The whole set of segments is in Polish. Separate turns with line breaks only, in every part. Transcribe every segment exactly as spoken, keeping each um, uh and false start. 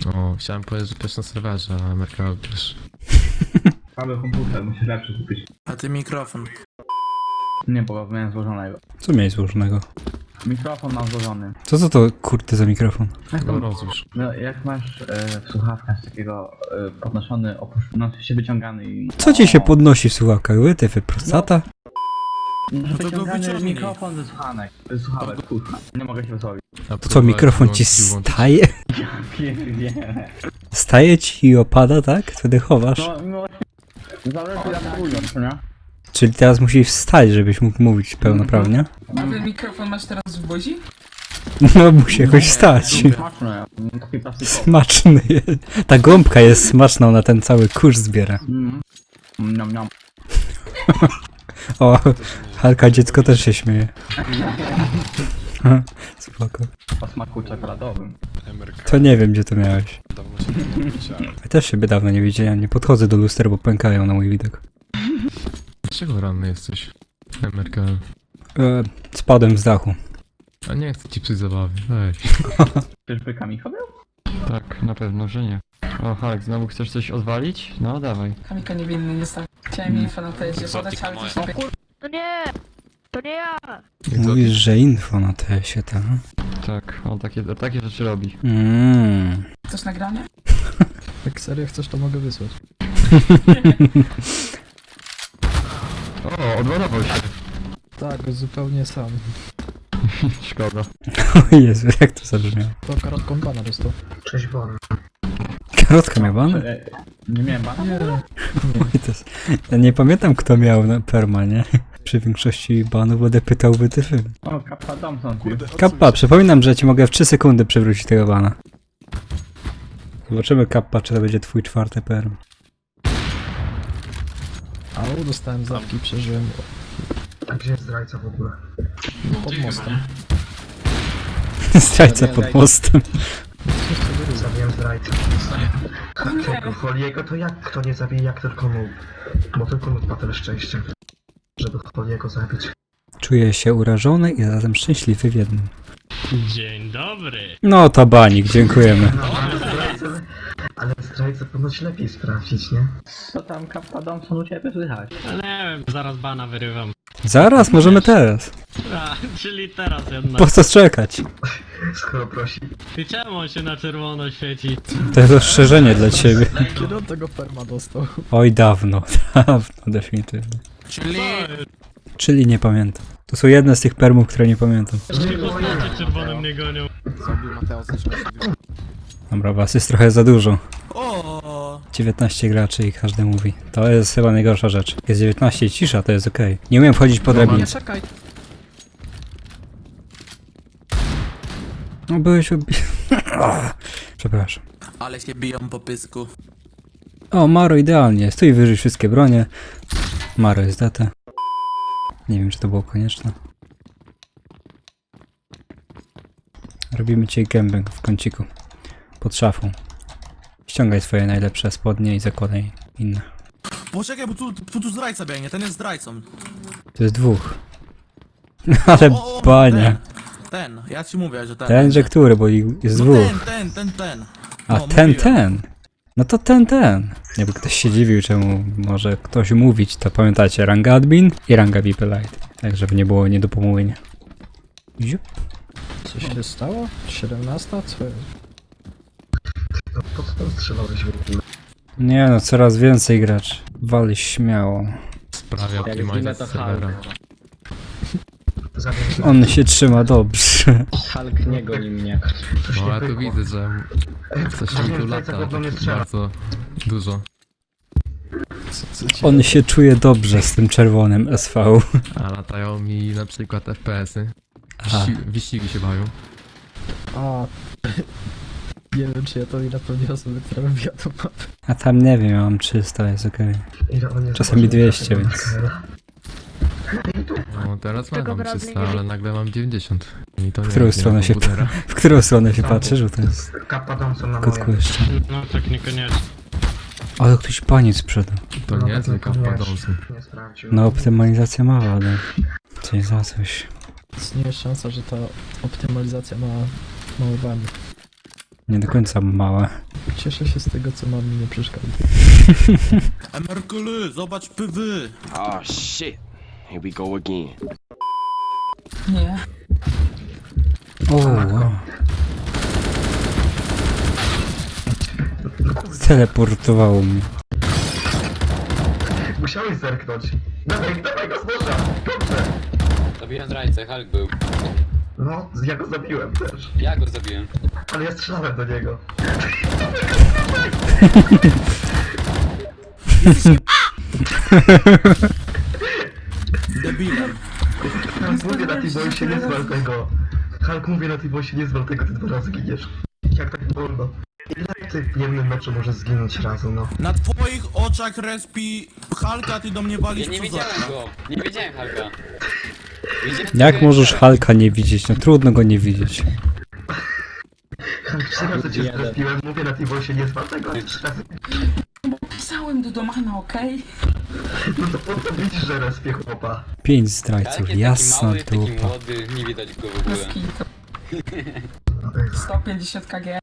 No, chciałem powiedzieć, że też na serwerze, a Ameryka też.
Cały komputer, musisz lepszy kupić.
A ty mikrofon.
Nie, bo miałem złożonego.
Co miałeś złożonego?
Mikrofon mam złożony.
Co to to kurde za mikrofon?
Jak,
No
to,
rozłóż.
no, jak masz e, w słuchawkach takiego e, podnoszony, opusz- no się wyciągany i...
Co ci się podnosi w słuchawkach? Wytyfy, prostata?
No,
No to go
wyciągany
wyciągnij.
mikrofon ze słuchanek. Ze słuchawek, kurwa. Nie mogę się wysłowić.
A
To co, mikrofon ci staje?
Pięknie.
Staje ci i opada, tak? Wtedy chowasz.
No, no, zależy jak to ująć, nie?
Czyli teraz musisz wstać, żebyś mógł mówić pełnoprawnie?
A ten mikrofon masz teraz w buzi?
No musi jakoś wstać.
Smaczne, taki plastikowy.
Smaczny jest. Ta gąbka jest smaczna, ona ten cały kurz zbiera.
Mm. Niam, niam.
O, Halka dziecko też się śmieje. Spoko.
O smaku czekoladowym.
To nie wiem, gdzie to miałeś. Ja też siebie dawno nie widziałem. Nie podchodzę do luster, bo pękają na mój widok.
Dlaczego ranny jesteś? Ameryka.
E, spadłem z dachu.
A nie chcę ci psuć zabawy, weź.
Czyżby Kamil chodził?
Tak, na pewno, że nie. O, Halek, znowu chcesz coś odwalić? No, dawaj.
Kamika niewinny nie stał. Chciałem jej info na tezie podać, ale to się
To nie! To nie ja!
Mówisz, że info na tesie, tak?
Tak, on takie, takie rzeczy robi.
Mmm.
Chcesz nagranie?
Jak serio chcesz, to mogę wysłać.
O, odładował się.
Tak, zupełnie sam.
Szkoda.
O Jezu, jak to zabrzmiało.
To karotką bana dostał.
Cześć, Bon.
Karotka miał ban?
E, Nie miałem bana?
Nie,
Oj, to jest... Ja nie pamiętam, kto miał na perma, nie? Przy większości banów będę pytał wytyfy.
O, Kappa Thompson. Kurde.
Kappa, przypominam, że ci mogę w trzy sekundy przywrócić tego bana. Zobaczymy, Kappa, czy to będzie twój czwarty perm.
au, dostałem zawki, przeżyłem
A gdzie jest zdrajca w ogóle?
pod mostem.
Zdrajca pod mostem.
Zabiłem zdrajcę. Tego Foliego to jak kto nie zabije, jak tylko mógł. Bo tylko mógł ma tyle szczęścia, żeby Foliego zabić.
Czuję się urażony i zarazem szczęśliwy w jednym.
Dzień dobry.
No to banik, dziękujemy.
No, ale zdrajcę, ale zdrajcę ponoć lepiej sprawdzić, nie?
Co tam Kappa Thompson u ciebie słychać?
Nie wiem, zaraz bana wyrywam.
Zaraz, możemy teraz.
A, czyli teraz jednak.
Po co czekać?
Skoro prosi.
I czemu on się na czerwono świeci?
To jest ostrzeżenie dla ciebie.
Kiedy on tego perma dostał?
Oj, dawno, dawno, definitywnie.
Czyli...
Czyli nie pamiętam. To są jedne z tych permów, które nie pamiętam.
Wszystkie postacie czerwonym nie gonią.
Dobra, was jest trochę za dużo.
O.
dziewiętnaście graczy i każdy mówi. To jest chyba najgorsza rzecz. Jak jest dziewiętnaście i cisza, to jest okej. Nie umiem wchodzić po drabinie.
Czekaj.
No byłeś ubi... Przepraszam.
Ale się biją po pysku.
O, Maro idealnie. Stój wyżej wszystkie bronie. Maro jest D T. Nie wiem, czy to było konieczne. Robimy ci gębę w kąciku. Pod szafą. Ściągaj swoje najlepsze spodnie i zakładaj inne.
Poczekaj, bo tu, tu, tu zdrajca biegnie, ten jest zdrajcą.
To jest dwóch. Ale
O, o,
bania.
Ten, ten, ja ci mówię, że ten.
Ten, że który, bo ich jest
No
dwóch.
ten, ten, ten, ten.
A
No,
ten,
mówiłem.
ten. No to ten, ten. Jakby ktoś się dziwił, czemu może ktoś mówić, to pamiętajcie, ranga admin i ranga V I P Lite. Tak, żeby nie było niedopomówienia. Ziup.
Co się stało? siedemnasta? Co jest?
No po co tam strzelałeś w ogóle?
Nie no, coraz więcej graczy. Wali śmiało.
Sprawia optymalizację serwera.
Zabiłem zdrajcę.
On się trzyma dobrze.
Hulk nie goni mnie.
Coś
No
nie
ale tu
pykło.
widzę, że coś się tu lata bardzo dużo.
Co, co ci...
On się czuje dobrze z tym czerwonym S V.
A latają mi na przykład F P S-y.
Aha.
Wyści wyścigi się bawią.
A... Nie wiem, czy ja to i napełnię osoby, które wybijają mapę.
A tam nie wiem, ja mam trzysta, jest okej.
Ile on nie
Czasami
zobaczył
dwieście,
tego
więc-
Mikaela.
No teraz
Tego
mam
bradley
trzysta,
nie
ale nagle mam dziewięćdziesiąt. I to
W
nie
którą
jest nie
stronę
ma
się
komputera.
W którą stronę się patrzy, że to jest
Kappa Thompson na
kotku
moje.
jeszcze.
No tak niekoniecznie.
Ale ktoś paniec sprzedał.
To
No,
nie jest
tylko
tylko
nie,
wpadący.
Nie sprawdził.
No optymalizacja ma wadę. Coś za coś.
Istnieje szansa, że ta optymalizacja ma mały błędy.
Nie do końca małe.
Cieszę się z tego, co mam mi nie przeszkadza.
Emerkuly, zobacz pywy.
Oh shit. Here we go again.
Nie.
O, wow. Teleportowało mnie.
Musiałeś zerknąć. Dawaj, dawaj go z noża! Dobrze!
Zabiłem zdrajcę, Hulk był.
No, ja go zabiłem też.
Ja go zabiłem.
Ale ja strzelałem do niego.
Debilem.
Hulk, mówię na tej boju się nie zwal tego. Hulk, mówię na tej boju się nie zwal tego, ty dwa razy giniesz. Jak tak wolno? Ile ty w jednym meczu może zginąć razu, no?
Na twoich oczach respi Halka, ty do mnie walisz
Ja nie
przez
widziałem
okno.
go. Nie widziałem Hulka. Widziałem
Jak
tylko
możesz
Hulka.
Hulka nie widzieć? No trudno go nie widzieć.
Hulk, trzy razy cię zrespiłem, mówię na tej boju się nie zwal tego, a trzy razy...
Pisałem do Domana, okej?
No to po to widzisz, że respie chłopa.
Pięć
Hulk
zdrajców,
jest taki
jasna
mały, taki
dupa.
młody, nie widać go w
Bez
ogóle.
kitu. sto pięćdziesiąt kg.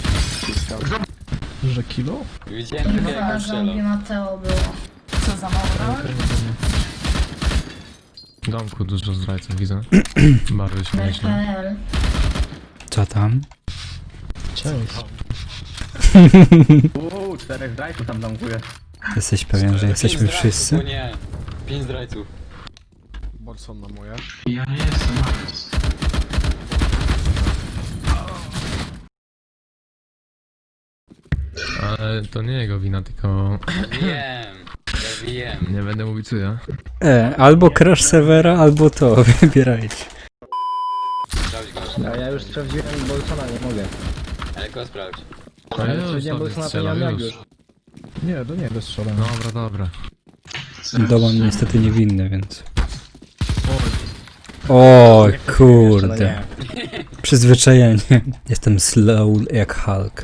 Że kilo?
Widziałem tylko jak go strzelał.
Mateo było.
Co za mało?
W domku dużo zdrajców widzę. Bardzo śmieszne.
L.
Co tam?
Cześć.
Uuu, czterech zdrajców tam domkuje.
Jesteś pewien, że jesteśmy
Pięć zdrajców,
wszyscy?
o nie. Pięć zdrajców.
Ale to nie jego wina, tylko
Wiem. Ja wiem.
nie będę mówić co ja.
E, albo crash serwera, albo to, wybierajcie.
Sprawdź go.
A ja już sprawdziłem Bolsona, nie mogę.
Ale go sprawdź.
No
Ale
już,
sprawdziłem
sobie
Bolsona, to nie
strzelał,
mam jak
już.
już. Nie, do niego strzelam.
Dobra, dobra.
Doman niestety niewinny, więc... O kurde. Przyzwyczajenie. Jestem slow jak Hulk.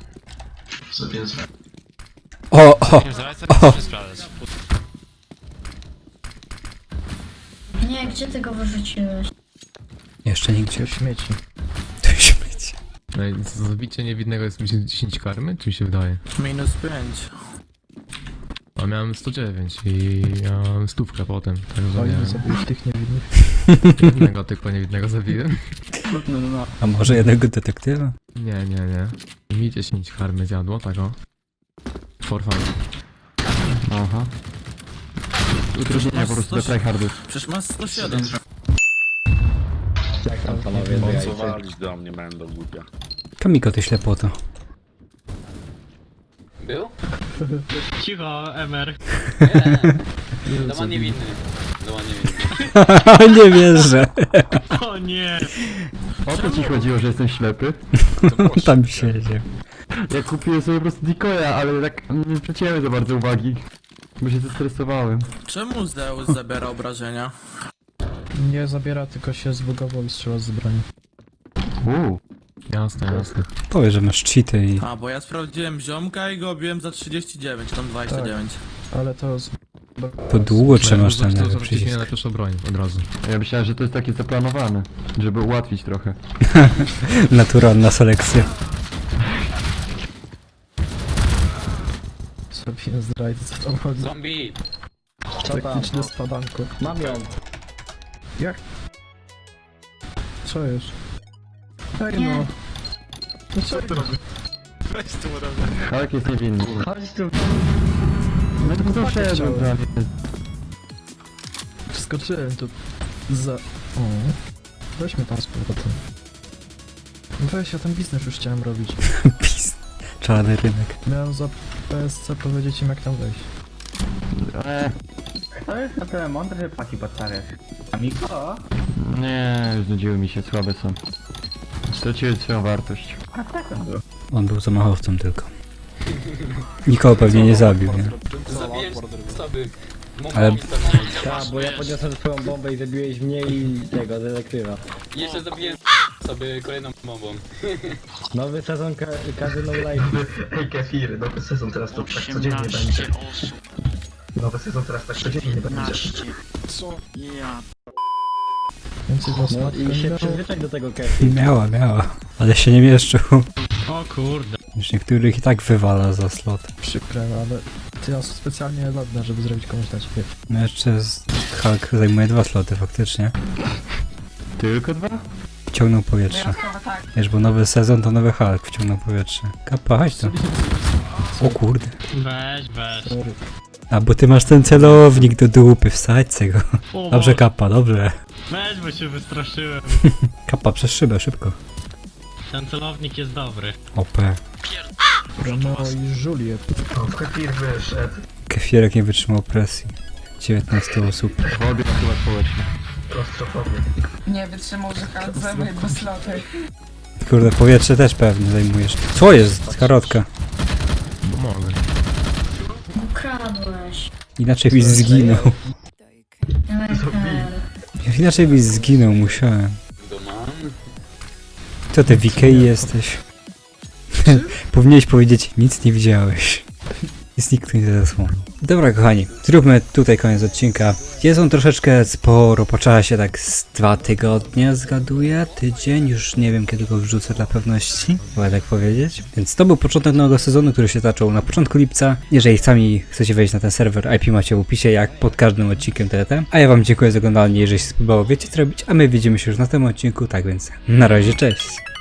O, o, o.
Nie, gdzie ty go wyrzuciłeś?
Jeszcze nigdzie.
Śmieci.
Tu śmieci.
No i co, zabicie niewinnego jest mi się dziesięć karmy? Czy mi się wydaje?
Minus pięć.
A miałem sto dziewięć i ja mam stówkę potem, także
O ile
miałem
zabiłeś tych niewinnych?
jednego tylko niewinnego zabiłem.
No, no, no.
A może jednego detektywa?
Nie, nie, nie. Mi dziesięć karmy zjadło, tak o. For fun.
Aha. Utrudnienia po prostu do tryhardów.
Przecież masz sto siedem.
Jak tam panowie?
do mnie będą głupia.
Kamiko, ty ślepoto.
Był?
Cicho, Emer.
Nie. Doman niewinny. Doman niewinny.
Nie wierzę.
O nie.
O to ci chodziło, że jestem ślepy?
Tam siedział.
Ja kupiłem sobie po prostu decoya, ale tak nie zwróciłem za bardzo uwagi. Bo się zestresowałem.
Czemu Zeus zabiera obrażenia?
Nie zabiera, tylko się zbugował i strzela z broni.
Uuu.
Jasne, jasne.
Powiedz, że masz cheaty i...
A, bo ja sprawdziłem ziomka i go obiłem za trzydzieści dziewięć, tam dwadzieścia dziewięć.
Ale to z...
To długo trzymasz ten
to,
lewy
to, to
przycisk.
na pierwszą broń od razu.
Ja myślałem, że to jest takie zaplanowane, żeby ułatwić trochę.
Naturalna selekcja.
Zrobiłem zdrajcy, co tam chodzi.
Zombie.
Techniczne spadanko. Mam ją. Jak? Co jest? Hej
Nie.
no. No co ty robisz?
Hulk jest niewinny.
Chodź tu.
No to doszedłem
chciałem.
prawie.
Wskoczyłem tu. Za... O. Weźmy tam z powrotem. Weź, ja ten biznes już chciałem robić.
Pis. Czarny rynek.
Miałem za P S C powiedzieć im jak tam wejść.
Eee,
To jest na tyle mądry, że płaci podstawiać. Amiko?
nie, znudziły mi się, słabe są. Straciły swoją wartość.
A tak on był.
On był zamachowcą tylko. Nikogo pewnie nie zabił, nie?
Zabiłem sobie.
Ale-
Ale...
Tak, bo ja podniosłem swoją bombę i zabiłeś mnie i tego, detektywa.
Jeszcze zabiłem sobie kolejną bombą.
Nowy sezon ka każdy no life.
Hej Kefir, nowy sezon teraz to tak codziennie będzie. Nowy sezon teraz tak codziennie będzie.
Więcej was
No i się przyzwyczaj do tego kefi.
Miała, miała. Ale się nie mieszczył.
O kurde.
Już niektórych i tak wywala za slot.
Przykre, ale ty ja specjalnie ładne, żeby zrobić komuś na ciebie.
No jeszcze z... Hulk zajmuje dwa sloty faktycznie.
Tylko dwa?
Wciągnął powietrze.
Wyjątkowo tak.
Wiesz, bo nowy sezon to nowy Hulk wciągnął powietrze. Kappa, chodź tu. O kurde.
Weź, weź.
Sorry.
A bo ty masz ten celownik do dupy, wsadźcie go.
O,
Dobrze
Boże.
Kappa, dobrze.
Weź, bo się wystraszyłem.
Kappa przez szybę, szybko.
Ten celownik jest dobry.
O P.
Romeo i Juliet.
O, w kefir wyszedł.
Kefirek nie wytrzymał presji. dziewiętnaście osób.
Wody chyba społecznie.
Klaustrofobię.
Nie wytrzymał, że Hulk zajmuje dwa sloty.
Kurde, powietrze też pewnie zajmujesz. Co jest? Karotka.
Bo mogę.
Ukradłeś.
Inaczej byś zginął.
Eee,
Inaczej byś zginął, musiałem.
Doman.
Co ty w Ikei jesteś? Powinieneś powiedzieć, nic nie widziałeś. Jest nikt nie zasłonił. Dobra kochani, zróbmy tutaj koniec odcinka. Jest on troszeczkę sporo, po czasie tak z dwa tygodnie zgaduję, tydzień, już nie wiem kiedy go wrzucę dla pewności, chyba tak powiedzieć. Więc to był początek nowego sezonu, który się zaczął na początku lipca. Jeżeli sami chcecie wejść na ten serwer, I P macie w opisie, jak pod każdym odcinkiem T T. A ja wam dziękuję za oglądanie, jeżeli się spodobało, wiecie co robić, a my widzimy się już na tym odcinku, tak więc na razie, cześć!